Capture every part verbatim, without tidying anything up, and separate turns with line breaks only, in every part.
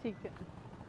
ठीक है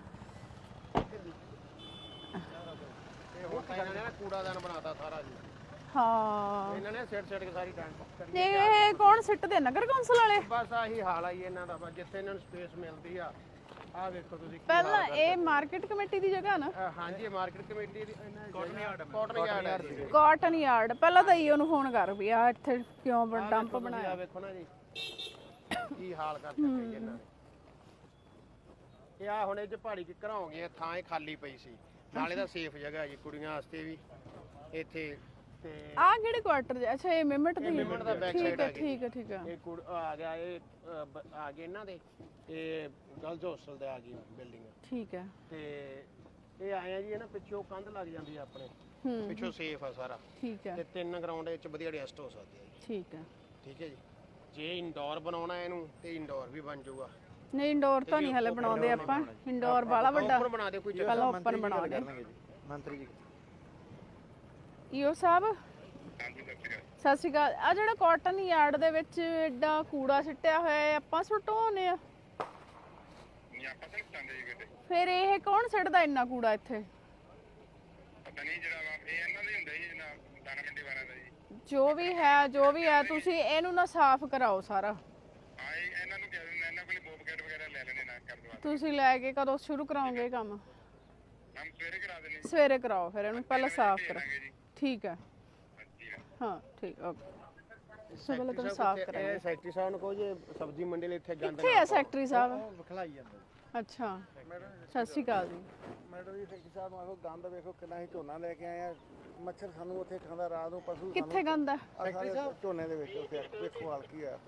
कूड़ादान बनाता सारा जी
हाँ
इन्होंने सिट सिट के सारी टैंक
ये कौन सिੱਟਦੇ ਨਗਰ ਕੌਂਸਲ ਵਾਲੇ
बस आही हाल आई ਇਹਨਾਂ ਦਾ ਜਿੱਥੇ ਇਹਨਾਂ ਨੂੰ ਸਪੇਸ ਮਿਲਦੀ ਆ ਆ ਵੇਖੋ ਤੁਸੀਂ
ਪਹਿਲਾਂ ਇਹ ਮਾਰਕੀਟ ਕਮੇਟੀ ਦੀ ਜਗ੍ਹਾ ਨਾ
ਹਾਂਜੀ ਮਾਰਕੀਟ ਕਮੇਟੀ ਦੀ cotton yard cotton yard
cotton yard ਪਹਿਲਾਂ ਤਾਂ ਈਓ ਨੂੰ ਫੋਨ ਕਰ ਵੀ ਆ ਇੱਥੇ ਕਿਉਂ ਡੰਪ ਬਣਾਇਆ
ਆ ਵੇਖੋ ਨਾ ਜੀ ਕੀ ਹਾਲ ਕਰ ਦਿੱਤੇ ਇਹਨਾਂ ਨੇ ਇਹ ਆ ਹੁਣ ਇਹ ਚ ਪਹਾੜੀ ਕਿੱਕਰ ਹੋ ਗਏ ਥਾਂ ਇਹ ਖਾਲੀ ਪਈ ਸੀ ਨਾਲੇ ਦਾ ਸੇਫ ਜਗ੍ਹਾ ਜੀ ਕੁੜੀਆਂ ਵਾਸਤੇ ਵੀ ਇੱਥੇ ਤੇ
ਆ ਕਿਹੜੇ ਕੁਆਟਰ ਅੱਛਾ ਇਹ ਮਿਮਟ ਦੀ
ਮਿਮਟ ਦਾ ਬੈਕ
ਠੀਕ
ਸਾਈਡ
ਹੈ
ਆ
ਠੀਕ ਹੈ ਠੀਕ ਹੈ
ਇਹ ਕੁੜ ਆ ਗਿਆ ਇਹ ਆ ਗਏ ਇਹਨਾਂ ਦੇ ਇਹ ਗਰਲਸ ਹੋਸਟਲ ਦੇ ਆ ਗਈ ਬਿਲਡਿੰਗ
ਠੀਕ ਹੈ
ਤੇ ਇਹ ਆਏ ਆ ਜੀ ਇਹ ਨਾ ਪਿੱਛੋਂ ਕੰਧ ਲੱਗ ਜਾਂਦੀ ਆ ਆਪਣੇ
ਹੂੰ
ਪਿੱਛੋਂ ਸੇਫ ਆ ਸਾਰਾ
ਠੀਕ ਹੈ
ਤੇ ਤਿੰਨ ਗਰਾਊਂਡ ਵਿੱਚ ਵਧੀਆ ਰੈਸਟ ਹੋ ਸਕਦੀ ਹੈ ਜੀ
ਠੀਕ ਹੈ
ਠੀਕ ਹੈ ਜੀ ਜੇ ਇੰਡੋਰ ਬਣਾਉਣਾ ਇਹਨੂੰ ਤੇ ਇੰਡੋਰ ਵੀ ਬਣ ਜਾਊਗਾ
ਨਹੀਂ ਇੰਡੋਰ ਤਾਂ ਨਹੀਂ ਹਲੇ ਬਣਾਉਂਦੇ ਆਪਾਂ ਇੰਡੋਰ ਬਾਲਾ ਵੱਡਾ
ਉੱਪਰ ਬਣਾ ਦੇ ਕੋਈ
ਪਹਿਲਾਂ ਉੱਪਰ ਬਣਾ ਦੇ
ਮੰਤਰੀ ਜੀ
ਈਓ ਸਾਹਿਬ ਸਤਿ ਸ਼੍ਰੀ ਅਕਾਲ ਆ ਜਿਹੜਾ ਕਾਟਨ ਯਾਰਡ ਦੇ ਵਿੱਚ ਐਡਾ ਕੂੜਾ ਸਿੱਟਿਆ ਹੋਇਆ ਹੈ ਆਪਾਂ ਸੁਟਾਉਨੇ ਆ
ਨਹੀਂ ਆਪਾਂ ਤਾਂ ਪਤਾਂਦੇ ਜੀ ਕਿਤੇ
ਫਿਰ ਇਹ ਕੌਣ ਸਿੱਟਦਾ ਇੰਨਾ ਕੂੜਾ ਇੱਥੇ
ਪਤਾ ਨਹੀਂ ਜਿਹੜਾ ਵਾ ਇਹ ਇਹਨਾਂ ਦੇ ਹੁੰਦਾ ਜੀ ਨਾ ਦਾਣਾ ਮੰਡੀ ਵਾਲਿਆਂ ਦਾ ਜੀ
ਜੋ ਵੀ ਹੈ ਜੋ ਵੀ ਹੈ ਤੁਸੀਂ ਇਹਨੂੰ ਨਾ ਸਾਫ਼ ਕਰਾਓ ਸਾਰਾ
ਹਾਂ ਇਹ ਇਹਨਾਂ ਨੂੰ ਕਹਿ ਦਿੰਦੇ ਇਹਨਾਂ ਕੋਲ ਬੋਬਕੈਟ ਵਗੈਰਾ ਲੈ ਲੈਣੇ ਨਾ ਕਰ ਦਵਾ
ਤੁਸੀਂ ਲੈ ਕੇ ਕਦੋਂ ਸ਼ੁਰੂ ਕਰਾਓਗੇ ਇਹ ਕੰਮ
ਹਮ ਸਵੇਰੇ ਕਰਾ ਦੇਣੇ
ਸਵੇਰੇ ਕਰਾਓ ਫਿਰ ਇਹਨੂੰ ਪਹਿਲਾਂ ਸਾਫ਼ ਕਰੋ
ਕਰਾਂਗੇ ਜੀ
ਠੀਕ ਹੈ
ਹਾਂਜੀ ਹਾਂ
ਹਾਂ ਠੀਕ ਓਕੇ ਸੋ ਪਹਿਲਾਂ ਤਾਂ ਸਾਫ਼ ਕਰਾਂਗੇ
ਇਹ ਸੈਕਟਰੀ ਸਾਹਿਬ ਨੂੰ ਕਹੋ ਜੇ ਸਬਜ਼ੀ ਮੰਡੀ ਲਈ ਇੱਥੇ ਗੰਦ
ਕਿੱਥੇ ਹੈ ਸੈਕਟਰੀ ਸਾਹਿਬ
ਵਿਖਲਾਈ ਜਾਂਦਾ
ਅੱਛਾ ਸਤਿ ਸ਼੍ਰੀ ਅਕਾਲ ਜੀ
ਮੈਡਮ ਜੀ ਸੈਕਟਰੀ ਸਾਹਿਬ ਨੂੰ ਆਖੋ ਗੰਦ ਵੇਖੋ ਕਿੰਨਾ ਹੀ ਝੋਨਾ ਲੈ ਕੇ ਆਏ ਆ ਮੱਛਰ ਸਾਨੂੰ ਉੱਥੇ ਖਾਂਦਾ ਰਾਤ ਨੂੰ ਪਸ਼ੂ
ਕਿੱਥੇ ਗੰਦ ਹੈ
ਸੈਕਟਰੀ ਸਾਹਿਬ ਝੋਨੇ ਦੇ ਵਿੱਚ ਉੱਥੇ ਵੇਖੋ ਹਾਲ ਕੀ ਹੋਇਆ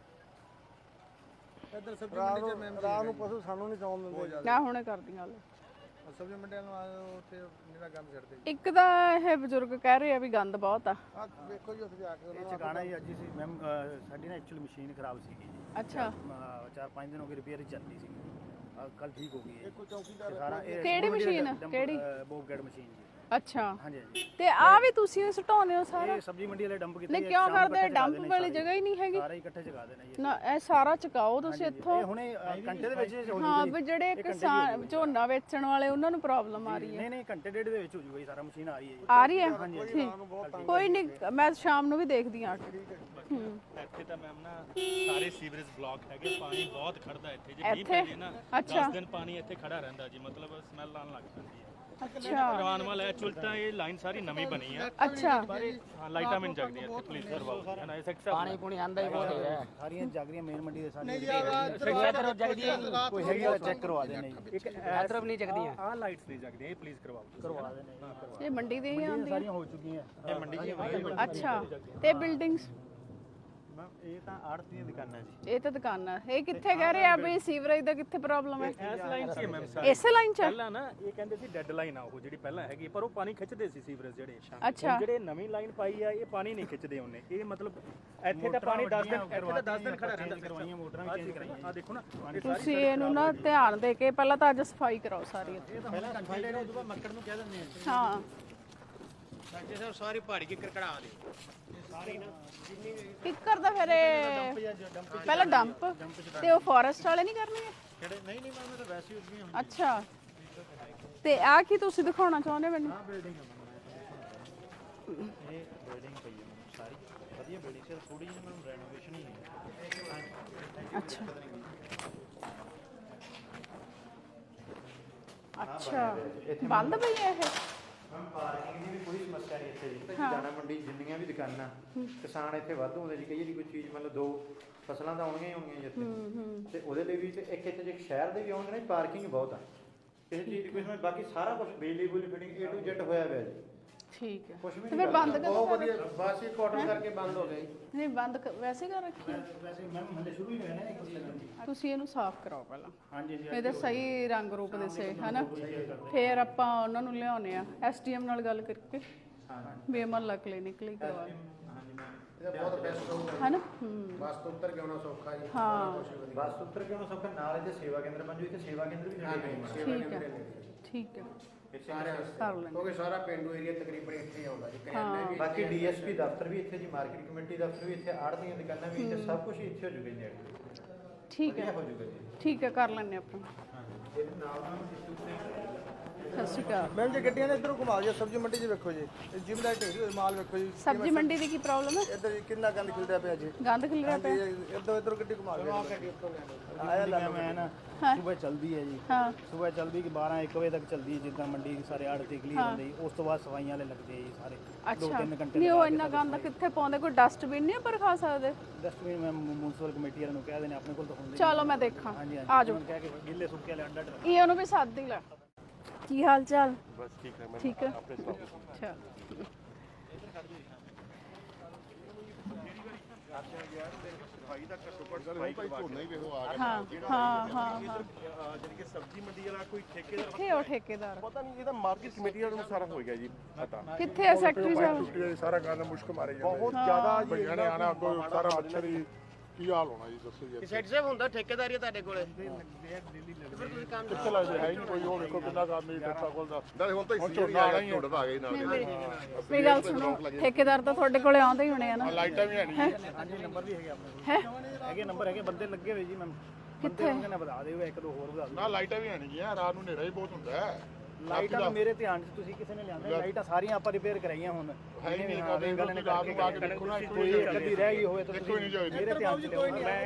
ਇੱਧਰ ਸਬਜ਼ੀ
ਰਾਤ ਨੂੰ ਰਾਤ ਨੂੰ ਪਸ਼ੂ ਸਾਨੂੰ ਨਹੀਂ ਸੌਣ ਦਿੰਦੇ
ਮੈਂ ਹੁਣੇ ਕਰਦੀ ਗੱਲ
ਸਬਜ਼ੀ ਮੰਡੀ ਨੂੰ ਉੱਥੇ ਜਿਹੜਾ ਗੰਦ ਛੱਡਦੇ
ਇੱਕ ਤਾਂ ਇਹ ਬਜ਼ੁਰਗ ਕਹਿ ਰਹੇ ਆ ਵੀ ਗੰਦ ਬਹੁਤ ਆ
ਆ ਵੇਖੋ ਜੀ ਉੱਥੇ ਜਾ ਕੇ ਉਹਨਾਂ
ਇਹ ਚਕਾਣਾ ਹੀ ਅੱਜ ਸੀ ਮੈਮ ਸਾਡੀ ਨਾ ਐਕਚੁਅਲ ਮਸ਼ੀਨ ਖਰਾਬ ਸੀਗੀ ਜੀ
ਅੱਛਾ
ਅਹ ਚਾਰ ਪੰਜ ਦਿਨ ਹੋ ਗਏ ਰਿਪੇਅਰ ਹੀ ਚੱਲਦੀ ਸੀ ਕੱਲ ਠੀਕ ਹੋ ਗਈ ਹੈ
ਕੋਈ ਚੌਕੀਦਾਰ
ਤੇ ਸਾਰਾ ਇਹ
ਕਿਹੜੀ ਮਸ਼ੀਨ? ਕਿਹੜੀ?
ਬੋਬਗੈਟ ਮਸ਼ੀਨ ਜੀ
ਅੱਛਾ
ਹਾਂਜੀ ਹਾਂਜੀ
ਤੇ ਆ ਵੀ ਤੁਸੀਂ ਸੁਟਾਉਂਦੇ ਹੋ ਸਾਰਾ
ਇਹ ਸਬਜ਼ੀ ਮੰਡੀ ਵਾਲੇ ਡੰਪ ਕੀਤੇ
ਨਹੀਂ
ਆ,
ਕਿਉਂ
ਸ਼ਾਮ ਨੂੰ
ਕਰਦੇ
ਇਕੱਠੇ ਚਕਾ
ਡੰਪ
ਦੇਣੇ
ਵਾਲੀ
ਸਾਰੇ।
ਜਗ੍ਹਾ ਹੀ ਨਹੀਂ ਹੈਗੀ
ਸਾਰੇ ਇਕੱਠੇ ਚਕਾ ਦੇਣਾ ਜੀ
ਨਾ ਇਹ ਸਾਰਾ ਚਕਾਓ ਤੁਸੀਂ ਇੱਥੋਂ
ਇਹ ਹੁਣੇ ਅਹ, ਘੰਟੇ ਦੇ ਵਿੱਚ ਹੋ
ਹਾਂ
ਜੂਗਾ
ਵੀ ਜਿਹੜੇ ਕਿਸਾਨ ਝੋਨਾ ਵੇਚਣ ਵਾਲੇ ਉਹਨਾਂ ਨੂੰ ਪ੍ਰੋਬਲਮ ਆ ਰਹੀ ਹੈ
ਨਹੀਂ ਨਹੀਂ ਘੰਟੇ ਡੇਢ ਦੇ ਵਿੱਚ ਹੋ ਜੂਗਾ ਜੀ ਸਾਰਾ ਮਸ਼ੀਨ ਆ ਰਹੀ ਹੈ ਜੀ
ਆ ਰਹੀ ਹੈ ਠੀਕ ਕੋਈ ਨਹੀਂ ਮੈਂ ਸ਼ਾਮ ਨੂੰ ਵੀ ਦੇਖਦੀ ਹਾਂ ਹੂੰ
ਇੱਥੇ ਤਾਂ ਮੈਮ ਨਾ ਸਾਰੇ ਸੀਵਰੇਜ ਬਲੌਕ ਹੈਗੇ ਪਾਣੀ ਬਹੁਤ ਖੜਦਾ ਇੱਥੇ ਜੇ ਮੀਂਹ
ਇੱਥੇ?
ਪੈ ਜੇ ਨਾ
ਅੱਛਾ।
ਦਸ ਦਿਨ ਪਾਣੀ ਇੱਥੇ ਖੜਾ ਰਹਿੰਦਾ ਜੀ ਮਤਲਬ ਸਮੈਲ ਆਉਣ ਲੱਗ ਜਾਂਦੀ ਹੈ
ਅੱਛਾ
ਕਰਵਾਉਣ ਵਾਲਾ ਐਕਚੁਅਲ ਤਾਂ ਇਹ ਲਾਈਨ ਸਾਰੀ ਨਵੀਂ ਬਣੀ ਹੈ
ਅੱਛਾ
ਪਰ ਇਹ ਹਾਂ ਲਾਈਟਾਂ ਮਿਲ ਜਾਂਦੀਆਂ ਇੱਥੇ ਪੁਲਿਸ ਕਰਵਾਓ ਹੈ ਨਾ ਇਸ ਪਾਣੀ
ਪੁਣੀ ਆਂਦਾ ਹੀ ਬਹੁਤ ਹੈ
ਸਾਰੀਆਂ ਜਾਗਰੀਆਂ ਮੇਨ ਮੰਡੀ ਦੇ ਸਾਰੀਆਂ
ਇੱਧਰ ਜਗਦੀ ਹੈ
ਕੋਈ ਹੈਗੀ ਤਾਂ ਚੈੱਕ ਕਰਵਾ ਦੇਣੇ ਜੀ ਇੱਕ
ਇੱਧਰ ਵੀ ਨਹੀਂ ਜਗਦੀਆਂ
ਆਹ ਲਾਈਟਸ ਨਹੀਂ ਜਗਦੀਆਂ ਇਹ ਪਲੀਜ਼ ਕਰਵਾਓ
ਕਰਵਾ ਦੇਣੇ
ਇਹ ਮੰਡੀ ਦੇ ਹੀ ਆਉਂਦੀ
ਸਾਰੀਆਂ ਹੋ ਚੁੱਕੀਆਂ
ਇਹ ਮੰਡੀ ਜੀ
ਅੱਛਾ ਤੇ ਬਿਲਡਿੰਗਸ
ਮੈਮ ਇਹ ਤਾਂ ਆੜਤ ਦੀਆਂ ਦੁਕਾਨਾਂ ਜੀ
ਇਹ ਤਾਂ ਦੁਕਾਨਾਂ ਇਹ ਕਿੱਥੇ ਕਹਿ ਰਹੇ ਆ ਵੀ ਸੀਵਰੇਜ ਦਾ ਕਿੱਥੇ ਪ੍ਰੋਬਲਮ ਹੈ
ਇਸ ਲਾਈਨ 'ਚ ਮੈਮ
ਇਸੇ ਲਾਈਨ 'ਚ ਹੈ?
ਪਹਿਲਾਂ ਨਾ ਇਹ ਕਹਿੰਦੇ ਸੀ ਡੈੱਡ ਲਾਈਨ ਆ ਉਹ ਜਿਹੜੀ ਪਹਿਲਾਂ ਹੈਗੀ ਪਰ ਉਹ ਪਾਣੀ ਖਿੱਚਦੇ ਸੀ ਸੀਵਰੇਜ ਜਿਹੜੇ
ਅੱਛਾ।
ਹੁਣ ਜਿਹੜੇ ਨਵੀਂ ਲਾਈਨ ਪਾਈ ਆ ਇਹ ਪਾਣੀ ਨਹੀਂ ਖਿੱਚਦੇ ਉਹਨੇ ਇਹ ਮਤਲਬ ਇੱਥੇ ਤਾਂ ਪਾਣੀ ਦਸ ਦਿਨ ਇੱਥੇ ਤਾਂ ਦਸ ਦਿਨ ਖੜਾ ਰਹਿੰਦਾ
ਕਰਵਾਈਆਂ ਮੋਟਰਾਂ ਵੀ ਚੇਂਜ ਕਰਾਈਆਂ
ਆ ਦੇਖੋ ਨਾ
ਤੁਸੀਂ ਇਹਨੂੰ ਨਾ ਧਿਆਨ ਦੇ ਕੇ ਪਹਿਲਾਂ ਤਾਂ ਅੱਜ ਸਫਾਈ ਕਰਾਓ ਸਾਰੀ ਇੱਥੇ
ਪਹਿਲਾਂ ਸਫਾਈ ਕਰੋ ਉਦੋਂ ਬਾਅਦ ਮੱਕੜ ਨੂੰ ਕਹਿ ਦਿੰਦੇ ਆ
ਹਾਂ
ਸੈਕਟਰੀ ਸਾਹਿਬ ਸਾਰੀ ਪਹਾੜੀ ਕਿੱਕਰ ਕਢਾ ਦੇ ਸਾਰੀ ਨਾ ਜਿੰਨੀ ਵੀ
ਕਿੱਕਰ ਦਾ ਫਿਰ ਇਹ ਪਹਿਲਾਂ ਡੰਪ ਤੇ ਉਹ ਫੋਰੈਸਟ ਵਾਲੇ ਨਹੀਂ ਕਰਨਗੇ
ਕਿਹੜੇ ਨਹੀਂ ਨਹੀਂ ਮੈਂ ਤਾਂ ਵੈਸੇ ਹੀ ਉੱਠੀਆਂ
ਅੱਛਾ ਤੇ ਆ ਕੀ ਤੁਸੀਂ ਦਿਖਾਉਣਾ ਚਾਹੁੰਦੇ ਮੈਨੂੰ
ਬਿਲਡਿੰਗ ਇਹ ਬਿਲਡਿੰਗ ਪਈ ਹੈ ਮੈਨੂੰ ਸਾਰੀ ਵਧੀਆ ਬਿਲਡਿੰਗ ਸੀ ਥੋੜੀ ਜਿਹੀ ਮੈਨੂੰ ਰੈਨੋਵੇਸ਼ਨ ਹੀ ਹੈ
ਅੱਛਾ ਅੱਛਾ ਬੰਦ ਪਈ ਹੈ ਇਹ
ਮੈਮ ਪਾਰਕਿੰਗ ਦੀ ਵੀ ਕੋਈ ਸਮੱਸਿਆ ਨਹੀਂ ਇੱਥੇ ਜੀ ਦਾਣਾ ਮੰਡੀ ਜਿੰਨੀਆਂ ਵੀ ਦੁਕਾਨਾਂ ਕਿਸਾਨ ਇੱਥੇ ਵਾਧੂ ਹੁੰਦੇ ਜੀ ਕਈ ਵਾਰੀ ਕੋਈ ਚੀਜ਼ ਮਤਲਬ ਦੋ ਫਸਲਾਂ ਤਾਂ ਆਉਣਗੀਆਂ ਹੀ ਆਉਣਗੀਆਂ ਜੀ ਇੱਥੇ ਤੇ ਉਹਦੇ ਲਈ ਵੀ ਤੇ ਇੱਕ ਇੱਥੇ ਜੇ ਸ਼ਹਿਰ ਦੇ ਵੀ ਆਉਣਗੇ ਨਾ ਪਾਰਕਿੰਗ ਬਹੁਤ ਆ ਕਿਸੇ ਚੀਜ਼ ਦੀ ਕੋਈ ਸਮਝ ਬਾਕੀ ਸਾਰਾ ਕੁਝ ਬਿਜਲੀ ਬੁਲੀ ਫਿਟਿੰਗ ਏ ਟੂ ਜ਼ੈਡ ਹੋਇਆ ਪਿਆ ਜੀ
ਠੀਕ ਹੈ
ਕੁਝ ਵੀ
ਤੇ
ਨਹੀਂ
ਫਿਰ ਬੰਦ ਕਦੋਂ
ਬਹੁਤ ਵਧੀਆ ਬਸ ਇਹ ਕਾਟਨ ਕਰਕੇ ਬੰਦ ਹੋ ਗਈ
ਨਹੀਂ ਬੰਦ ਕ- ਵੈਸੇ ਕਰ ਰੱਖੀ ਹੈ?
ਵੈਸੇ ਮੈਮ ਹਲੇ ਸ਼ੁਰੂ ਹੀ ਹੋਇਆ ਨਾ ਇੱਕ ਚੀਜ਼
ਤੁਸੀਂ ਇਹਨੂੰ ਸਾਫ਼ ਕਰਾਓ ਪਹਿਲਾਂ
ਹਾਂਜੀ ਜੀ
ਇਹਦੇ ਸਹੀ ਰੰਗ ਰੂਪ ਦੇ ਸੇ ਹਨਾ ਫਿਰ ਆਪਾਂ ਉਹਨਾਂ ਨੂੰ ਲਿਆਉਣੇ ਆ ਐਸਡੀਐਮ ਨਾਲ ਗੱਲ ਕਰਕੇ ਵੀ ਮਹੱਲਾ ਕਲੀਨਿਕ ਲਈ ਕਰਵਾ
ਇਹਦਾ ਬਹੁਤ ਬੈਸਟ ਹੋਊਗਾ
ਹਨਾ ਹੂੰ
ਬਸ ਤੋਂ ਉੱਤਰ ਕੇ ਆਉਣਾ ਸੌਖਾ ਜੀ
ਹਾਂ
ਬਸ ਉੱਤਰ ਕੇ ਉਹਨਾਂ ਸਭ ਨਾਲ ਇਹਦੇ ਸੇਵਾ ਕੇਂਦਰ ਬਣ ਜੂ ਇੱਥੇ ਸੇਵਾ ਕੇਂਦਰ ਵੀ ਨੇੜੇ ਬਣੇ
ਠੀਕ ਹੈ ਠੀਕ ਹੈ
ਸਾਰੇ
ਕਰ ਲੈਂਦੇ
ਕਿਉਂਕਿ ਸਾਰਾ ਪਿੰਡੂ ਏਰੀਆ ਤਕਰੀਬਨ ਇੱਥੇ ਹੀ ਆਉਂਦਾ ਜੀ ਕਰਿਆਨੇ ਵੀ
ਬਾਕੀ ਡੀਐਸਪੀ ਦਫ਼ਤਰ ਵੀ ਇੱਥੇ ਜੀ ਮਾਰਕੀਟ ਕਮੇਟੀ ਦਫ਼ਤਰ ਵੀ ਇੱਥੇ ਆੜ੍ਹਤੀਆਂ ਦੁਕਾਨਾਂ ਵੀ ਇੱਥੇ ਸਭ ਕੁਝ ਇੱਥੇ ਹੋ ਜੂਗਾ ਜੀ ਨੇੜੇ
ਠੀਕ ਹੈ
ਹੋ ਜੂਗਾ ਜੀ
ਠੀਕ ਹੈ ਕਰ ਲੈਂਦੇ ਆਪਾਂ ਸਤਿ ਸ਼੍ਰੀ ਅਕਾਲ।
ਮੈਮ ਜੀ ਗੱਡੀਆਂ ਨੇ ਇੱਧਰੋਂ ਘੁਮਾ ਦਿਓ, ਸਬਜ਼ੀ ਮੰਡੀ 'ਚ ਵੇਖੋ ਜੀ, ਜਿਮ ਦਾ ਢੇਰੀ ਹੋਈ ਮਾਲ ਵੇਖੋ ਜੀ,
ਸਬਜ਼ੀ ਮੰਡੀ ਦੀ ਕੀ ਪ੍ਰੋਬਲਮ ਹੈ?
ਇੱਧਰ ਜੀ ਕਿੰਨਾ ਗੰਦ ਖਿਲਦਾ ਪਿਆ ਜੀ।
ਗੰਦ ਖਿਲਰਿਆ ਪਿਆ।
ਇੱਧਰ ਇੱਧਰ ਗੱਡੀ ਘੁਮਾ ਦਿਓ।
ਆਇਆ ਲੈ ਮੈਂ ਨਾ ਸਵੇਰ ਚੱਲਦੀ ਹੈ ਜੀ,
ਹਾਂ
ਸਵੇਰ ਚੱਲਦੀ ਕਿ ਬਾਰਾਂ ਇੱਕ ਵਜੇ ਤੱਕ ਚੱਲਦੀ ਹੈ, ਜਿੱਦਾਂ ਮੰਡੀ ਸਾਰੇ ਆੜ ਤੇ ਕਲੀਅਰ ਹੁੰਦੇ ਜੀ, ਉਸ ਤੋਂ ਬਾਅਦ ਸਫਾਈਆਂ ਵਾਲੇ ਲੱਗਦੇ ਆ ਜੀ ਸਾਰੇ ਦੋ
ਅੱਛਾ
ਤਿੰਨ ਘੰਟੇ
ਨਹੀਂ ਉਹ ਇੰਨਾ ਗੰਦ ਕਿੱਥੇ ਪਾਉਂਦੇ? ਕੋਈ ਡਸਟਬਿਨ ਨਹੀਂ ਪਰ ਖਾ ਸਕਦੇ?
ਡਸਟਬਿਨ ਮੈਂ ਮਿਊਨਿਸਪਲ ਕਮੇਟੀ ਵਾਲਿਆਂ ਨੂੰ ਕਹਿ ਦੇਣੇ, ਆਪਣੇ ਕੋਲ ਤਾਂ ਹੁੰਦੇ
ਚਲੋ ਮੈਂ ਦੇਖਾਂ,
ਹਾਂਜੀ
ਆ
ਹਾਂਜੀ
ਜਾਓ।
ਉਹਨਾਂ ਨੂੰ ਕਹਿ ਕੇ ਗਿੱਲੇ ਸੁੱਕੇ ਵਾਲੇ ਅੰਡਾ ਡਰ
ਇਹ ਉਹਨੂੰ ਵੀ ਸੱਦ ਹੀ ਲੈ। ਕੀ ਹਾਲ ਚਾਲ?
ਬਸ ਠੀਕ ਹੈ ਮੈਂ
ਠੀਕ ਹੈ
ਆਪਣੇ ਸੁਣਾਓ।
ਅੱਛਾ ਹਾਂ ਹਾਂ ਹਾਂ ਹਾਂ
ਜਾਨੀ ਕਿ ਸਬਜ਼ੀ ਮੰਡੀ ਵਾਲਾ ਕੋਈ ਠੇਕੇਦਾਰ
ਕਿੱਥੇ ਉਹ ਠੇਕੇਦਾਰ?
ਪਤਾ ਨਹੀਂ ਇਹਦਾ ਮਾਰਕੀਟ ਕਮੇਟੀ ਵਾਲਿਆਂ ਨੂੰ ਸਾਰਾ ਹੋ ਗਿਆ ਜੀ ਪਤਾ
ਕਿੱਥੇ ਹੈ ਸੈਕਟਰੀ ਸਾਹਿਬ?
ਟੁੱਟਿਆ ਸਾਰਾ ਗੰਦ ਮੁਸ਼ਕ ਮਾਰੇ ਜਾਂਦੇ
ਬਹੁਤ ਜ਼ਿਆਦਾ ਜੀ
ਭਈਆਂ ਨੇ ਆਣਾ ਅੱਗੋਂ ਸਾਰਾ ਮੱਛਰ ਹੀ ਕੀ ਹਾਲ ਹੋਣਾ ਜੀ ਦੱਸੋ ਜੀ
ਸੈਟ ਸਾਹਿਬ ਹੁੰਦਾ ਠੇਕੇਦਾਰੀ ਹੈ ਤੁਹਾਡੇ ਕੋਲੇ?
ਕਿੱਥੇ ਲੱਗਦੇ ਹੈ ਹੀ ਨਹੀਂ ਕੋਈ, ਉਹ ਵੇਖੋ ਕਿੰਨਾ ਕੰਮ ਨਹੀਂ ਟੱਟਾ ਕੋਲ ਦਾ
ਨਾਲੇ ਹੁਣ ਤਾਂ
ਹੁਣ ਝੋਨਾ ਆਣਾ ਹੀ ਹੈ।
ਝੋਨਾ ਆ ਗਈ ਨਾਲ
ਮੇਰੀ ਗੱਲ ਸੁਣੋ, ਠੇਕੇਦਾਰ ਤਾਂ ਤੁਹਾਡੇ ਕੋਲੇ ਆਉਂਦੇ ਹੀ ਹੋਣੇ ਆ ਨਾ?
ਲਾਈਟਾਂ ਵੀ ਹੈ ਨਹੀਂ ਜੀ।
ਹਾਂਜੀ ਨੰਬਰ ਵੀ ਹੈਗੇ ਆਪਣੇ
ਹੈ
ਕੋਲ, ਹੈਗੇ ਨੰਬਰ ਹੈਗੇ, ਬੰਦੇ ਲੱਗੇ ਹੋਏ ਜੀ ਮੈਮ।
ਕਿੱਥੇ?
ਬੰਦੇ ਨੇ ਵਧਾ ਦਿਓ, ਇੱਕ ਦੋ ਹੋਰ ਵਧਾ ਦਿਓ।
ਨਾ ਲਾਈਟਾਂ ਵੀ ਹੈ ਨਹੀਂ ਜੀ, ਰਾਤ ਨੂੰ ਹਨੇਰਾ ਹੀ ਬਹੁਤ ਹੁੰਦਾ ਹੈ।
ਲਾਈਟਾਂ ਤਾਂ ਮੇਰੇ ਧਿਆਨ 'ਚ ਤੁਸੀਂ ਕਿਸੇ ਨੇ ਲਿਆਂਦਾ, ਲਾਈਟਾਂ ਸਾਰੀਆਂ ਆਪਾਂ ਰਿਪੇਅਰ ਕਰਾਈਆਂ ਹੁਣ
ਹੈ ਹੀ ਨਹੀਂ
ਹਾਂ, ਗੱਲ ਨੇ
ਰਾਤ
ਕਰਕੇ
ਨੂੰ ਆ ਕੇ ਦੇਖੋ ਨਾ,
ਕੋਈ ਇੱਕ ਅੱਧੀ ਰਹਿ ਗਈ ਹੋਵੇ ਤਾਂ
ਦੇਖੋ ਹੀ ਨਹੀਂ ਜਾਏ
ਮੇਰੇ ਧਿਆਨ 'ਚ ਲਿਆਓ।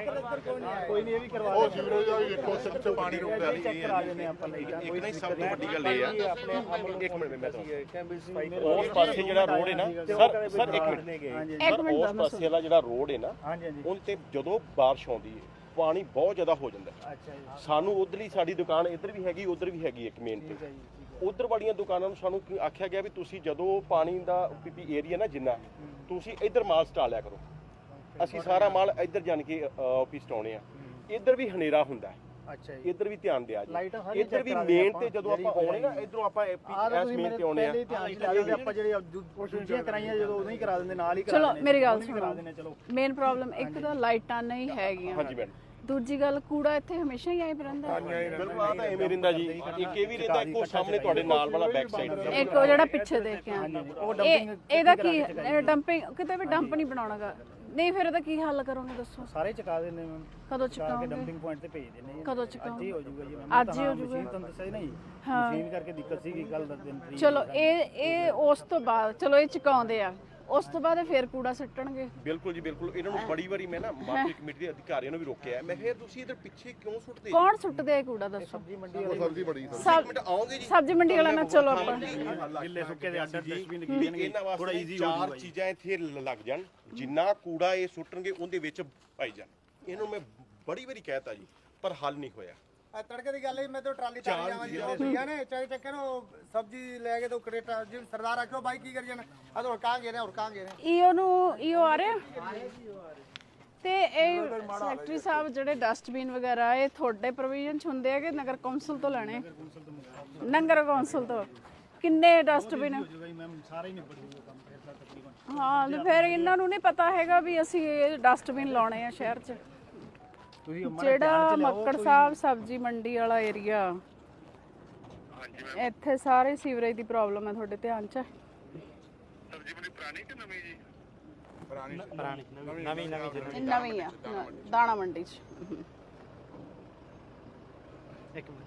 ਮੈਂ ਕੋਈ ਨਹੀਂ ਇਹ ਵੀ ਕਰਵਾ
ਉਹ ਸੀਵਰੇਜ ਦਾ ਵੀ ਦੇਖੋ ਸਿੱਧੇ ਪਾਣੀ ਰੁਕਦਾ
ਚੈੱਕ ਕਰਾ ਦਿੰਦੇ ਆਪਾਂ ਲਾਈਟਾਂ।
ਇੱਕ ਨਹੀਂ ਸਭ ਤੋਂ ਵੱਡੀ ਗੱਲ ਇਹ ਆ
ਆਪਣੇ
ਇੱਕ ਮਿੰਟ ਮੈਂ ਤੁਹਾਨੂੰ
ਉਸ
ਉਸ ਪਾਸੇ ਜਿਹੜਾ ਰੋਡ ਹੈ ਨਾ ਸਰ ਸਰ ਇੱਕ ਮਿੰਟ
ਹਾਂਜੀ
ਇੱਕ
ਸਰ
ਮਿੰਟ
ਉਸ ਪਾਸੇ ਵਾਲਾ ਜਿਹੜਾ ਰੋਡ ਹੈ ਨਾ
ਹਾਂਜੀ ਹਾਂਜੀ
ਉਹਨ ਤੇ ਜਦੋਂ ਬਾਰਿਸ਼ ਆਉਂਦੀ ਹੈ ਪਾਣੀ ਬਹੁਤ ਜ਼ਿਆਦਾ ਹੋ ਜਾਂਦਾ ਹੈ।
ਅੱਛਾ ਜੀ
ਸਾਨੂੰ ਉਧਰਲੀ ਸਾਡੀ ਦੁਕਾਨ ਇੱਧਰ ਵੀ ਹੈਗੀ ਉਧਰ ਵੀ ਹੈਗੀ ਇੱਕ ਮੇਨ ਤੇ
ਠੀਕ ਹੈ ਜੀ ਠੀਕ
ਉਧਰ ਵਾਲੀਆਂ ਦੁਕਾਨਾਂ ਨੂੰ ਸਾਨੂੰ ਕੀ ਆਖਿਆ ਗਿਆ ਵੀ ਤੁਸੀਂ ਜਦੋਂ ਪਾਣੀ ਦਾ ਪੀਪੀ ਏਰੀਆ ਨਾ ਜਿੰਨਾ ਤੁਸੀਂ ਇੱਧਰ ਮਾਲ ਸਟਾ ਲਿਆ ਕਰੋ। ਅਸੀਂ ਸਾਰਾ ਮਾਲ ਇੱਧਰ ਜਾਣ ਕੇ ਆਫਿਸ ਟਾਉਣੇ ਆ। ਇੱਧਰ ਵੀ ਹਨੇਰਾ ਹੁੰਦਾ ਹੈ,
ਹੈ। ਅੱਛਾ ਜੀ
ਇੱਧਰ ਵੀ ਧਿਆਨ ਦਿਆ
ਲਾਈਟਾਂ
ਜੀ।
ਸਾਰੀਆਂ
ਇੱਧਰ ਵੀ
check ਕਰਾ ਲਈਆਂ
ਮੇਨ ਤੇ ਜਦੋਂ ਆਪਾਂ ਆਉਣੇ ਨਾ ਇਧਰੋਂ ਆਪਾਂ
ਆਹ
ਐਸ
ਤੁਸੀਂ
ਮੇਨ
ਮੇਰੇ
ਤੇ ਆਉਣੇ ਆ।
ਪਹਿਲੇ ਧਿਆਨ 'ਚ ਲਿਆ ਦਿਓ, ਆਪਾਂ ਜਿਹੜੇ ਦੂ- ਦੂਜੀਆਂ ਕਰਾਈਆਂ ਜਦੋਂ ਉਦੋਂ ਹੀ ਕਰਾ ਦਿੰਦੇ, ਨਾਲ ਹੀ ਕਰਾ
ਚਲੋ
ਦਿੰਦੇ,
ਮੇਰੀ ਗੱਲ
ਉਦੋਂ ਹੀ ਕਰਾ
ਸੁਣੋ,
ਦਿੰਦੇ, ਚਲੋ
ਮੇਨ ਪ੍ਰੋਬਲਮ ਇੱਕ ਤਾਂ ਲਾਈਟਾਂ ਨਹੀਂ ਹੈਗੀਆਂ,
ਹਾਂਜੀ ਮੈਡਮ
ਦੂਜੀ ਗੱਲ ਕੂੜਾ ਇੱਥੇ ਹਮੇਸ਼ਾ ਹੀ ਆਈ ਰਹਿੰਦਾ।
ਬਿਲਕੁਲ ਆ ਤਾਂ ਐਵੇਂ ਰਹਿੰਦਾ ਜੀ। ਇੱਕ ਇਹ ਵੀ ਰਹਿੰਦਾ ਇੱਕੋ ਸਾਹਮਣੇ ਤੁਹਾਡੇ ਨਾਲ ਵਾਲਾ ਬੈਕ ਸਾਈਡ ਤੇ
ਇੱਕ ਉਹ ਜਿਹੜਾ ਪਿੱਛੇ ਦੇਖ ਕੇ ਆ,
ਉਹ
ਇਹ
ਡੰਪਿੰਗ
ਇਹਦਾ ਕੀ ਡੰਪਿੰਗ? ਕਿਤੇ ਵੀ ਡੰਪ ਨਹੀਂ ਬਣਾਉਣਾਗਾ। ਨਹੀਂ ਫਿਰ ਇਹਦਾ ਕੀ ਹੱਲ ਕਰੋਗੇ ਦੱਸੋ?
ਸਾਰੇ ਚੁਕਾ ਦਿੰਦੇ ਮੈਮ,
ਕਦੋਂ
ਚੁਕਾ ਕੇ
ਚੁਕਾਓਗੇ?
ਡੰਪਿੰਗ ਪੁਆਇੰਟ ਤੇ ਭੇਜ ਦਿੰਦੇ ਜੀ।
ਕਦੋਂ
ਅੱਜ ਹੀ
ਚੁਕਾਓਗੇ?
ਹੋ ਜਾਊਗਾ ਜੀ ਮੈਮ।
ਅੱਜ ਹੀ ਹੋ ਜਾਊਗਾ।
ਮਸ਼ੀਨ ਤੁਹਾਨੂੰ ਦੱਸਿਆ ਨਹੀਂ,
ਹਾਂ।
ਮਸ਼ੀਨ ਕਰਕੇ ਦਿੱਕਤ ਸੀ ਕਿ ਕੱਲ ਦਸ ਦਿਨ ਤਰੀਕ
ਚਲੋ ਇਹ ਇਹ ਉਸ ਤੋਂ ਬਾਅਦ ਚਲੋ ਇਹ ਚੁਕਾਉਂਦੇ ਆ, ਉਸ ਤੋਂ ਬਾਅਦ ਇਹ ਫੇਰ ਕੂੜਾ ਸਿੱਟਣਗੇ।
ਬਿਲਕੁਲ ਜੀ ਬਿਲਕੁਲ। ਇਹਨਾਂ ਨੂੰ ਬੜੀ ਵਾਰੀ ਮੈਂ ਨਾ ਮਾਰਕੀਟ ਕਮੇਟੀ ਦੇ ਅਧਿਕਾਰੀਆਂ ਨੂੰ ਵੀ ਰੋਕਿਆ। ਮੈਂ ਕਿਹਾ ਤੁਸੀਂ ਇਧਰ ਪਿੱਛੇ ਕਿਉਂ ਸੁੱਟਦੇ?
ਕੌਣ ਸੁੱਟਦੇ ਆ ਕੂੜਾ ਦੱਸੋ?
ਸਬਜ਼ੀ ਮੰਡੀ
ਸਬਜ਼ੀ ਬੜੀ
ਸਬ
ਮਿੰਟ ਆਓਗੇ ਜੀ।
ਸਬਜ਼ੀ ਮੰਡੀ ਵਾਲਾ ਨਾ ਚਲੋ ਆਪਾਂ
ਗਿੱਲੇ ਸੁੱਕੇ ਦੇ ਅੱਡ ਡਸਟਬਿਨ
ਵੀ
ਲੱਗੀ ਜਾਣਗੇ,
ਇਹਨਾਂ
ਥੋੜਾ
ਵਾਸਤੇ
ਈਜ਼ੀ ਹੋ
ਚਾਰ
ਜਾਊਗਾ ਜੀ।
ਚੀਜ਼ਾਂ ਇੱਥੇ ਲ- ਲੱਗ ਜਾਣ, ਜਿੰਨਾ ਕੂੜਾ ਇਹ ਸੁੱਟਣਗੇ ਉਹਦੇ ਵਿੱਚ ਪਾਈ ਜਾਣ। ਇਹਨੂੰ ਮੈਂ ਬੜੀ ਵਾਰੀ ਕਹਿਤਾ ਜੀ ਪਰ ਹੱਲ ਨਹੀਂ ਹੋਇਆ।
ਆ ਤੜਕੇ ਦੀ ਗੱਲ ਹੈ, ਮੈਂ ਤਾਂ ਟਰਾਲੀ ਤਾਰ ਜਾਵਾਂ ਜੀ, ਉਹ ਭਈਆ ਨੇ ਚਾਹੇ ਚੱਕੇ ਨੂੰ ਸਬਜ਼ੀ ਲੈ ਕੇ ਤਾਂ ਕਰੇਟਾ ਜੀ ਸਰਦਾਰ ਆਖਿਓ ਬਾਈ ਕੀ ਕਰੀ ਜਾਣਾ, ਆ ਤਾਂ ਹੁੜਕਾਂ ਗਏ ਨੇ ਹੁੜਕਾਂ ਗਏ ਨੇ।
ਈਓ ਨੂੰ ਈਓ ਆ ਰਿਹਾ ਤੇ ਇਹ ਸੈਕਟਰੀ ਸਾਹਿਬ ਜਿਹੜੇ ਡਸਟਬਿਨ ਵਗੈਰਾ ਇਹ ਤੁਹਾਡੇ ਪ੍ਰੋਵੀਜ਼ਨ ਚ ਹੁੰਦੇ ਆ ਕਿ ਨਗਰ ਕੌਂਸਲ ਤੋਂ ਲੈਣੇ? ਨਗਰ ਕੌਂਸਲ ਤੋਂ ਕਿੰਨੇ ਡਸਟਬਿਨ?
ਮੈਮ ਸਾਰਾ ਹੀ ਨਿਬੜ ਜੂਗਾ ਕੰਮ ਫਿਰ ਤਾਂ ਤਕਰੀਬਨ।
ਹਾਂ ਤੇ ਫਿਰ ਇਹਨਾਂ ਨੂੰ ਨਹੀਂ ਪਤਾ ਹੈਗਾ ਵੀ ਅਸੀਂ ਇਹ ਡਸਟਬਿਨ ਲਾਉਣੇ ਆ ਸ਼ਹਿਰ 'ਚ।
ਤੁਸੀਂ
ਜਿਹੜਾ ਮੱਕੜ ਸਾਹਿਬ ਸਬਜ਼ੀ ਮੰਡੀ ਵਾਲਾ ਏਰੀਆ, ਇੱਥੇ ਸਾਰੇ ਸੀਵਰੇਜ ਦੀ ਪ੍ਰੋਬਲਮ ਹੈ, ਤੁਹਾਡੇ ਧਿਆਨ 'ਚ ਹੈ?
ਸਬਜ਼ੀ ਬੜੀ ਪੁਰਾਣੀ ਕਿ ਨਵੀਂ ਜੀ?
ਪੁਰਾਣੀ ਨਵੀਂ ਨਵੀਂ
ਇਹ ਨਵੀਂ ਆ ਹਾਂ, ਦਾਣਾ ਮੰਡੀ 'ਚ।
ਇੱਕ ਮਿੰਟ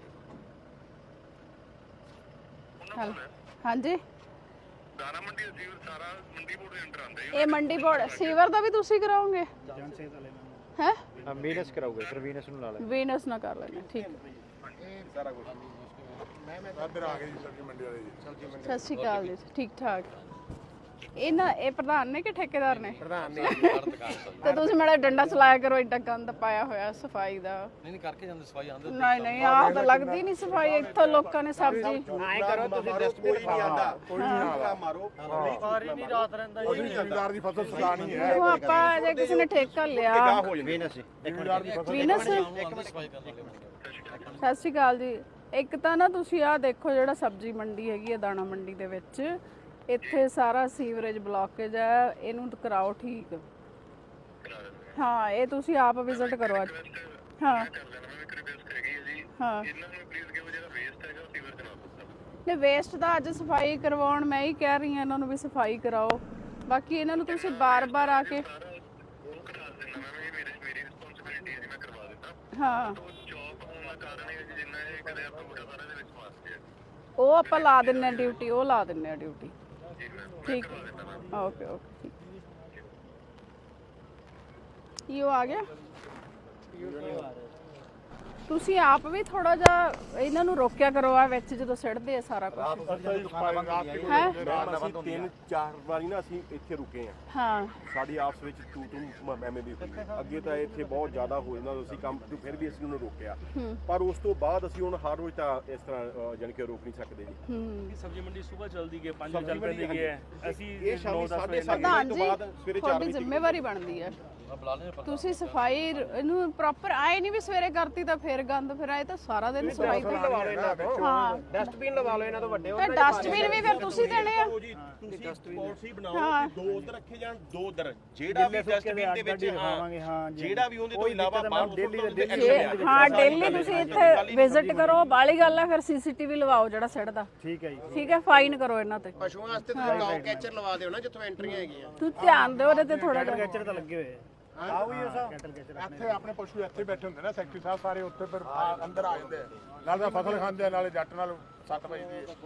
ਹੈਲੋ ਹਾਂਜੀ
ਦਾਣਾ ਮੰਡੀ ਅਸੀਂ ਸਾਰਾ ਮੰਡੀ ਬੋਰਡ ਦੇ ਅੰਡਰ ਆਉਂਦਾ ਹੈ।
ਇਹ ਮੰਡੀ ਬੋਰਡ ਸੀਵਰ ਦਾ ਵੀ ਤੁਸੀਂ ਕਰਾਓਗੇ?
ਜਨ ਸਿਹਤ ਵਾਲੇ ਮੈਮ
ਹੈ
ਹਾਂ ਵੀਨਸ ਕਰਾਉਗੇ ਫਿਰ ਵੀਨਸ ਨੂੰ ਲਾ ਲੈ।
ਵੀਨਸ ਨਾ ਕਰ ਲੈਣਾ ਠੀਕ ਹੈ।
ਸਾਰਾ ਕੁਝ ਮੈਂ ਮੈਂ ਇੱਧਰ ਆ ਗਏ ਜੀ ਸਬਜ਼ੀ ਮੰਡੀ ਵਾਲੇ ਜੀ। ਸਬਜ਼ੀ ਮੰਡੀ
ਸਤਿ ਸ਼੍ਰੀ ਅਕਾਲ ਜੀ, ਠੀਕ ਠਾਕ। ਇਹ ਨਾ ਇਹ ਪ੍ਰਧਾਨ ਨੇ ਕਿ ਠੇਕੇਦਾਰ ਨੇ?
ਪ੍ਰਧਾਨ ਨੇ
ਤੇ ਤੁਸੀਂ ਮੇਰਾ ਡੰਡਾ ਚਲਾਇਆ ਕਰੋ, ਏਡਾ ਗੰਦ ਪਾਇਆ ਹੋਇਆ ਸਫਾਈ ਦਾ।
ਨਹੀਂ ਨਹੀਂ ਕਰਕੇ ਜਾਂਦੇ ਸਫਾਈ ਆਂਦੇ।
ਨਹੀਂ ਨਹੀਂ ਆਹ ਤਾਂ ਲੱਗਦੀ ਨਹੀਂ ਸਫਾਈ। ਇੱਥੋਂ ਲੋਕਾਂ ਨੇ ਸਬਜ਼ੀ
ਐਂ ਕਰੋ ਤੁਸੀਂ ਡਸਟਬਿਨ ਨਹੀਂ ਆਉਂਦਾ
ਕੋਈ ਨਹੀਂ ਆਉਂਦਾ
ਮਾਰੋ।
ਸਾਰੀ ਨਹੀਂ ਰਾਤ ਰਹਿੰਦਾ
ਅਸੀਂ ਜ਼ਿਮੀਦਾਰ ਦੀ ਫਸਲ ਸੁਕਾਣੀ ਹੈ।
ਉਹ ਆਪਾਂ ਜੇ ਕਿਸੇ ਨੇ ਠੇਕਾ ਲਿਆ
ਹੋ ਜਾਵੇ
ਵੀਨਸ
ਜ਼ਿਮੀਦਾਰ ਦੀ ਫਸਲ
ਵੀਨਸ। ਸਤਿ ਸ਼੍ਰੀ ਅਕਾਲ ਜੀ। ਇੱਕ ਤਾਂ ਨਾ ਤੁਸੀਂ ਆਹ ਦੇਖੋ ਜਿਹੜਾ ਸਬਜ਼ੀ ਮੰਡੀ ਹੈਗੀ ਹੈ ਦਾਣਾ ਮੰਡੀ ਦੇ ਵਿੱਚ, ਇੱਥੇ ਸਾਰਾ ਸੀਵਰੇਜ ਬਲੌਕੇਜ ਹੈ, ਇਹਨੂੰ ਤਾਂ ਕਰਾਓ ਠੀਕ। ਹਾਂ ਇਹ ਤੁਸੀਂ ਆਪ ਵਿਜ਼ਿਟ ਕਰੋ ਅੱਜ। ਹਾਂ ਹਾਂ ਨਹੀਂ ਵੇਸਟ ਦਾ ਅੱਜ ਸਫਾਈ ਕਰਵਾਉਣ ਮੈਂ ਹੀ ਕਹਿ ਰਹੀ ਹਾਂ ਇਹਨਾਂ ਨੂੰ ਵੀ ਸਫਾਈ ਕਰਾਓ। ਬਾਕੀ ਇਹਨਾਂ ਨੂੰ ਤੁਸੀਂ ਬਾਰ-ਬਾਰ ਆ ਕੇ ਹਾਂ
ਜੌਬ ਆਉਣ ਦਾ ਕਾਰਨ ਇਹ ਜਿੰਨਾ ਇਹ
ਉਹ ਆਪਾਂ ਲਾ ਦਿੰਨੇ ਆ ਡਿਊਟੀ, ਉਹ ਲਾ ਦਿੰਨੇ ਆ ਡਿਊਟੀ। ਠੀਕ ਹੈ, ਓਕੇ ਓਕੇ। ਇਹ ਆ ਗਿਆ। ਤੁਸੀਂ ਆਪ ਵੀ ਥੋੜਾ ਜਿਹਾ ਇਹਨਾਂ ਨੂੰ ਰੋਕਿਆ ਕਰੋ ਆ ਵਿੱਚ ਜਦੋਂ ਸਿੱਟਦੇ ਆ ਸਾਰਾ ਕੁਝ ਹੈ।
ਅਸੀਂ ਤਿੰਨ ਚਾਰ ਵਾਰੀ ਨਾ ਅਸੀਂ ਇੱਥੇ ਰੁਕੇ ਆ।
ਹਾਂ,
ਸਾਡੀ ਆਪਸ ਵਿੱਚ ਤੂੰ ਤੂੰ ਐਵੇਂ ਵੀ ਹੋਈ। ਅੱਗੇ ਤਾਂ ਇੱਥੇ ਬਹੁਤ ਜ਼ਿਆਦਾ ਹੋ ਜਾਂਦਾ ਅਸੀਂ ਕੰਮ ਤੋਂ, ਫਿਰ ਵੀ ਅਸੀਂ ਉਹਨੂੰ ਰੋਕਿਆ। ਪਰ ਉਸ ਤੋਂ ਬਾਅਦ ਅਸੀਂ ਹੁਣ ਹਰ ਰੋਜ਼ ਤਾਂ ਇਸ ਤਰ੍ਹਾਂ ਜਾਣੀ ਕਿ ਰੋਕ ਨਹੀਂ ਸਕਦੇ ਜੀ।
ਹੂੰ,
ਸਬਜ਼ੀ ਮੰਡੀ ਸਵੇਰ ਚੱਲਦੀ ਹੈ, ਪੰਜ ਵਜੇ ਚੱਲ ਪੈਂਦੀ ਹੈ। ਅਸੀਂ
ਇਹ ਸ਼ਾਮੀ ਸਾਢੇ ਸੱਤ
ਪ੍ਰਧਾਨ
ਵਜੇ
ਜੀ
ਤੋਂ ਬਾਅਦ ਸਵੇਰੇ ਚਾਰ
ਤੁਹਾਡੀ
ਵਜੇ
ਜ਼ਿੰਮੇਵਾਰੀ ਬਣਦੀ ਹੈ। ਤੁਸੀਂ ਸਫਾਈ ਇਹਨੂੰ ਪ੍ਰੋਪਰ ਆਏ ਨਹੀਂ ਵੀ ਸਵੇਰੇ ਕਰਤੀ ਤਾਂ ਫਿਰ ਗੰਦ, ਫਿਰ ਆਏ ਤਾਂ ਸਾਰਾ ਦਿਨ ਸਫਾਈ ਤੇ
ਲਵਾ ਲਓ ਇਹਨਾਂ ਤੋਂ,
ਹਾਂ।
ਡਸਟਬਿਨ ਲਵਾ ਲਓ ਇਹਨਾਂ ਤੋਂ ਵੱਡੇ।
ਤੇ ਡਸਟਬਿਨ ਵੀ ਫਿਰ ਤੁਸੀਂ ਦੇਣੇ ਆ।
ਜੀ ਤੁਸੀਂ ਪਾਲਿਸੀ ਬਣਾਓ ਕਿ ਦੋ ਉਧਰ ਰੱਖੇ ਜਾਣ, ਦੋ ਉਧਰ। ਜਿਹੜਾ ਵੀ ਡਸਟਬਿਨ ਦੇ ਵਿੱਚ ਹਾਂ ਜਿਹੜਾ ਵੀ ਉਹਦੇ ਤੋਂ ਇਲਾਵਾ ਬਾਹਰ ਡੇਲੀ
ਜੇ- ਹਾਂ ਡੇਲੀ ਤੁਸੀਂ ਇੱਥੇ ਵਿਜ਼ਿਟ ਕਰੋ। ਬਾਲੀ ਗੱਲ ਹੈ ਫਿਰ ਸੀਸੀਟੀਵੀ ਲਵਾਓ ਜਿਹੜਾ ਸਿੱਟਦਾ।
ਠੀਕ ਹੈ ਜੀ,
ਠੀਕ ਹੈ, ਫਾਈਨ ਕਰੋ ਇਹਨਾਂ ਤੇ।
ਪਸ਼ੂਆਂ ਵਾਸਤੇ ਤੁਸੀਂ ਡੌਗ ਕੈਚਰ ਲਵਾ ਦਿਓ ਨਾ ਜਿੱਥੋਂ ਐਂਟਰੀਆਂ ਹੈਗੀਆਂ।
ਤੂੰ ਧਿਆਨ ਦਿਓ ਉਹਦੇ ਤੇ ਥੋੜਾ ਜਿਹਾ।
ਕੈਚਰ ਤਾਂ ਲੱਗੇ ਹੋਏ ਆ। ਆਓ ਜੀ ਸਾਹਿਬ,
ਇੱਥੇ ਆਪਣੇ ਪਸ਼ੂ ਇੱਥੇ ਬੈਠੇ ਹੁੰਦੇ ਨਾ ਸੈਕਟਰੀ ਸਾਹਿਬ, ਸਾਰੇ ਉੱਥੇ ਫਿਰ ਆ- ਅੰਦਰ ਆ ਜਾਂਦੇ ਆ। ਨਾਲੇ ਤਾਂ ਫਸਲ ਖਾਂਦੇ ਆ, ਨਾਲੇ ਜੱਟ ਨਾਲ ਸੱਤ ਵਜੇ ਦੀ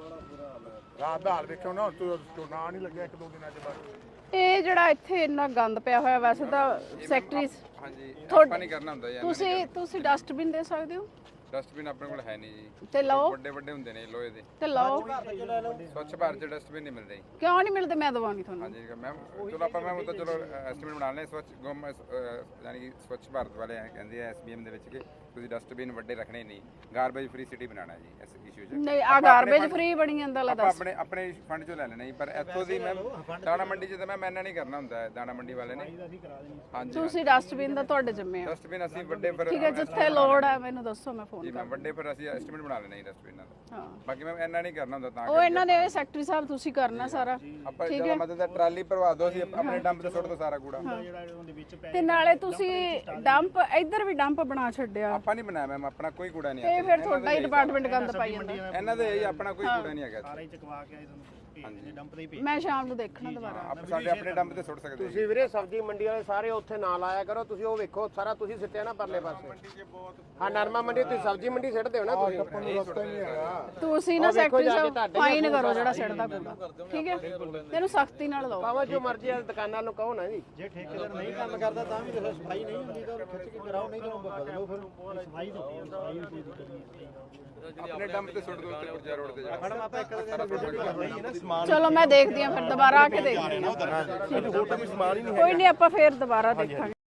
ਰਾਤ ਦਾ ਹਾਲ ਵੇਖਿਓ ਨਾ, ਝੋਨਾ ਨਹੀਂ ਲੱਗਿਆ ਇੱਕ ਦੋ ਦਿਨਾਂ ਚ ਬਸ।
ਇਹ ਜਿਹੜਾ ਇੱਥੇ ਇੰਨਾ ਗੰਦ ਪਿਆ ਹੋਇਆ, ਵੈਸੇ ਤਾਂ ਸੈਕਟਰੀ
ਹਾਂਜੀ
ਤੁਹਾਡੇ-
ਆਪਾਂ ਨਹੀਂ ਕਰਨਾ ਹੁੰਦਾ ਜੀ।
ਤੁਸੀਂ ਤੁਸੀਂ ਡਸਟਬਿਨ ਦੇ ਸਕਦੇ ਹੋ
ਡਸਟਬਿਨ ਆਪਣੇ ਕੋਲ ਹੈ ਨਹੀਂ ਜੀ।
ਤੇ ਲਓ,
ਵੱਡੇ ਵੱਡੇ ਹੁੰਦੇ ਨੇ ਲੋਹੇ ਦੇ।
ਤੇ ਲਓ।
ਸਵੱਛ ਭਾਰਤ ਚ ਡਸਟਬਿਨ ਨਹੀਂ ਮਿਲਦੇ ਜੀ।
ਕਿਉਂ ਨਹੀਂ ਮਿਲਦੇ? ਮੈਂ ਦਵਾਂਗੀ ਤੁਹਾਨੂੰ।
ਹਾਂਜੀ ਮੈਮ, ਚਲੋ ਆਪਾਂ ਮੈਮ ਉਹ ਤਾਂ ਚਲੋ ਐਸਟੀਮੇਟ ਬਣਾ ਲੈਣੇ। ਸਵੱਛ ਗਮ ਯਾਨੀ ਕਿ ਸਵੱਛ ਭਾਰਤ ਵਾਲੇ ਐਂ ਕਹਿੰਦੇ ਆ ਐਸਬੀਐਮ ਦੇ ਵਿੱਚ ਕਿ ਤੁਸੀਂ ਡਸਟਬਿਨ ਵੱਡੇ ਰੱਖਣੇ ਨਹੀਂ, ਗਾਰਬੇਜ ਫ੍ਰੀ ਸਿਟੀ ਬਣਾਉਣਾ ਜੀ ਇਸ ਇਸ਼ੂ 'ਚ।
ਨਹੀਂ, ਆ ਗਾਰਬੇਜ ਫ੍ਰੀ ਬਣੀ ਜਾਂਦਾ ਲਾ
ਆਪਾਂ
ਦੱਸ।
ਆਪਣੇ ਆਪਣੇ ਫੰਡ ਚੋਂ ਲੈ ਲੈਣਾ ਜੀ। ਪਰ ਇੱਥੋਂ ਦੀ ਮੈਮ ਦਾਣਾ ਮੰਡੀ 'ਚ ਤਾਂ ਮੈਮ ਇੰਨਾ ਨਹੀਂ ਕਰਨਾ ਹੁੰਦਾ ਹੈ, ਦਾਣਾ ਮੰਡੀ ਵਾਲੇ ਨੇ। ਹਾਂਜੀ
ਤੁਸੀਂ ਡਸਟਬਿਨ ਦਾ ਤੁਹਾਡੇ ਜ਼ਿੰਮੇ ਆ।
ਡਸਟਬਿਨ ਅਸੀਂ ਵੱਡੇ ਪਰ
ਠੀਕ ਹੈ, ਜਿੱਥੇ ਲੋੜ ਹੈ ਮੈਨੂੰ ਦੱਸੋ, ਮੈਂ ਫੋਨ
ਜੀ
ਕਰ।
ਮੈਮ ਵੱਡੇ ਪਰ ਅਸੀਂ ਐਸਟੀਮੇਟ ਬਣਾ ਲੈਣਾ ਜੀ ਡਸਟਬਿਨਾਂ ਦਾ।
ਹਾਂ,
ਬਾਕੀ ਮੈਮ ਇੰਨਾ ਨਹੀਂ ਕਰਨਾ ਹੁੰਦਾ ਤਾਂ
ਉਹ ਇਹਨਾਂ ਦੇ ਸੈਕਟਰੀ ਸਾਹਿਬ ਤੁਸੀਂ ਕਰਨਾ ਸਾਰਾ।
ਆਪਾਂ ਜਦੋਂ ਮਤਲਬ ਤਾਂ ਟਰਾਲੀ ਭਰਵਾ ਦੋ, ਅਸੀਂ ਆਪਣੇ ਡੰਪ ਤੇ ਸੁੱਟ ਦੋ ਸਾਰਾ ਕੂੜਾ।
ਤੇ ਨਾਲੇ ਤੁਸੀਂ ਡੰਪ ਇੱਧਰ ਵੀ ਡੰਪ ਬਣਾ ਛੱਡਿਆ,
ਆਪਾਂ ਨਹੀਂ ਬਣਾਇਆ ਮੈਮ, ਆਪਣਾ ਕੋਈ ਕੂੜਾ ਨਹੀਂ
ਤੇ ਫਿਰ ਤੁਹਾਡਾ ਹੀ ਡਿਪਾਰਟਮੈਂਟ ਗੰਦ ਪਾਈ ਜਾਂਦਾ।
ਇਹਨਾਂ ਦੇ ਇਹ ਆਪਣਾ ਕੋਈ ਕੂੜਾ ਨਹੀਂ ਹੈਗਾ।
ਸਾਰੇ ਚਕਵਾ ਕੇ ਆਏ ਤੁਹਾਨੂੰ
ਹਾਂਜੀ
ਡੰਪ ਦੇ ਹੀ
ਮੈਂ ਸ਼ਾਮ ਨੂੰ ਦੇਖਣਾ ਦੁਬਾਰਾ।
ਆਪ ਸਾਡੇ ਆਪਣੇ ਡੰਪ ਤੇ ਸੁੱਟ ਸਕਦੇ ਹੋ।
ਤੁਸੀਂ ਵੀਰੇ ਸਬਜ਼ੀ ਮੰਡੀ ਵਾਲੇ ਸਾਰੇ ਉੱਥੇ ਨਾ ਲਾਇਆ ਕਰੋ। ਤੁਸੀਂ ਉਹ ਵੇਖੋ ਸਾਰਾ ਤੁਸੀਂ ਸਿੱਟਿਆ ਨਾ ਪਰਲੇ ਪਾਸੇ। ਹਾਂ, ਨਰਮਾ ਮੰਡੀ ਤੁਸੀਂ ਸਬਜ਼ੀ ਮੰਡੀ ਸਿੱਟਦੇ ਹੋ ਨਾ ਤੁਸੀਂ।
ਤੁਸੀਂ ਨਾ ਸੈਕਟਰੀ ਸਾਹਿਬ ਫਾਈਨ ਕਰੋ ਜਿਹੜਾ ਸਿੱਟਦਾ ਕੂੜਾ। ਠੀਕ ਹੈ, ਤੈਨੂੰ ਸਖਤੀ ਨਾਲ ਲਾਓ।
ਭਾਵੇਂ ਜੋ ਮਰਜ਼ੀ ਆ ਦੁਕਾਨਾਂ ਨੂੰ ਕਹੋ ਨਾ ਜੀ।
ਜੇ ਠੇਕੇਦਾਰ ਨਹੀਂ ਕੰਮ ਕਰਦਾ ਤਾਂ ਵੀ ਦੇਖੋ ਸਫਾਈ ਨਹੀਂ ਹੁੰਦੀ ਤਾਂ ਉਹਨੂੰ ਖਿੱਚ ਕੇ ਕਰਾਓ, ਨਹੀਂ ਤਾਂ ਉਹਨੂੰ ਬਦਲੋ। ਫਿਰ ਸਫਾਈ ਤਾਂ ਸਫਾਈ ਵੀ ਦਿੱਕਤ
ਆਪਣੇ ਡੰਪ ਤੇ ਸੁੱਟ ਦੋ ਉੱਤੇ ਪੁਰਜਾ ਰੋਡ ਤੇ ਜਾ ਕੇ।
ਮੈਡਮ ਆਪਾਂ ਇੱਕ ਦਿਨ ਵਿਜ਼ਿਟ ਕਰ ਰਹੇ ਹਾਂ ਨਾ ਸਮਾਨ।
ਚਲੋ ਮੈਂ ਦੇਖਦੀ ਹਾਂ, ਫਿਰ ਦੁਬਾਰਾ ਆ ਕੇ ਦੇਖਦੀ ਹਾਂ।
ਹੋਰ ਤਾਂ ਕੋਈ ਸਮਾਨ ਹੀ ਨਹੀਂ
ਕੋਈ ਨਹੀਂ, ਆਪਾਂ ਫੇਰ ਦੁਬਾਰਾ ਦੇਖਾਂਗੇ।